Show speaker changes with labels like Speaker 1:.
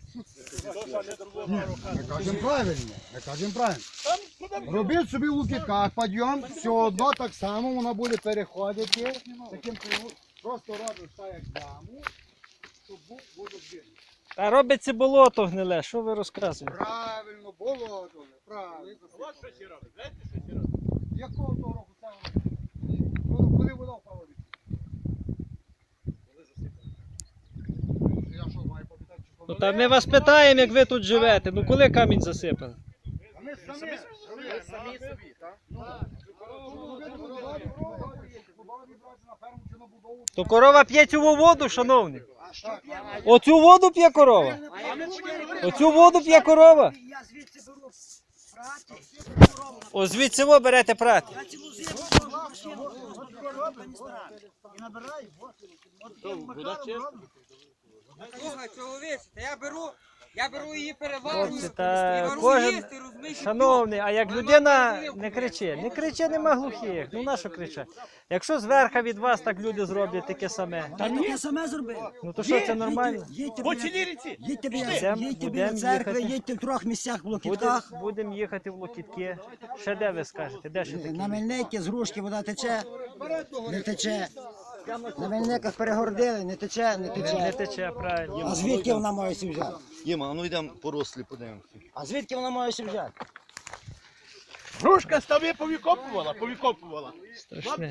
Speaker 1: Ми кажемо правильно, Робіть собі в лукітках підйом, все одно так само воно буде переходити. Таким просто робиш так, як яму, щоб був водозбір.
Speaker 2: А робиться болото гниле, що ви розказуєте?
Speaker 1: Правильно, болото, правильно.
Speaker 3: От що ще робить, знаєте, що ще робить?
Speaker 1: Якого того року це воно? Коли вода впала? Я що, маю попитати, чи
Speaker 2: Ну, та ми вас питаємо, як ви тут живете. Ну коли камінь засипали?
Speaker 1: А ми самі собі, так?
Speaker 2: То корова п'є цю воду, шановні? Оцю воду п'є корова? Оцю воду п'є корова?
Speaker 4: Я звідси беру прати.
Speaker 2: О, звідси ви берете прати.
Speaker 4: Я цілу зиму машину і набираю.
Speaker 5: Слухай, чоловіче, та я беру її переварюю,
Speaker 2: Хлопці,
Speaker 5: і
Speaker 2: та
Speaker 5: вару
Speaker 2: кожен,
Speaker 5: їсти, розумієш? і
Speaker 2: шановний, а як людина не кричи, нема глухих, ну на що кричать? Якщо зверху від вас так люди зроблять таке саме,
Speaker 4: Та таке саме зробив.
Speaker 2: ну то що це нормально?
Speaker 4: Їдьте
Speaker 3: По Чиліріці.
Speaker 4: біля церкви,
Speaker 2: їхати.
Speaker 4: їдьте в трьох місцях в Локітках.
Speaker 2: Будемо їхати в Локітки. Ще де ви скажете? Де ще такі?
Speaker 4: На Мельники з Грушки вода тече, не тече. На Мельниках перегородили, не тече, не
Speaker 2: Не
Speaker 4: тече.
Speaker 2: тече, правильно.
Speaker 4: А звідки вона має сі взяти?
Speaker 6: Діма, ну йдемо порослі, подивимося.
Speaker 4: А звідки вона має сі взяти?
Speaker 3: Грушка з тобі повікопувала.
Speaker 2: Страшне.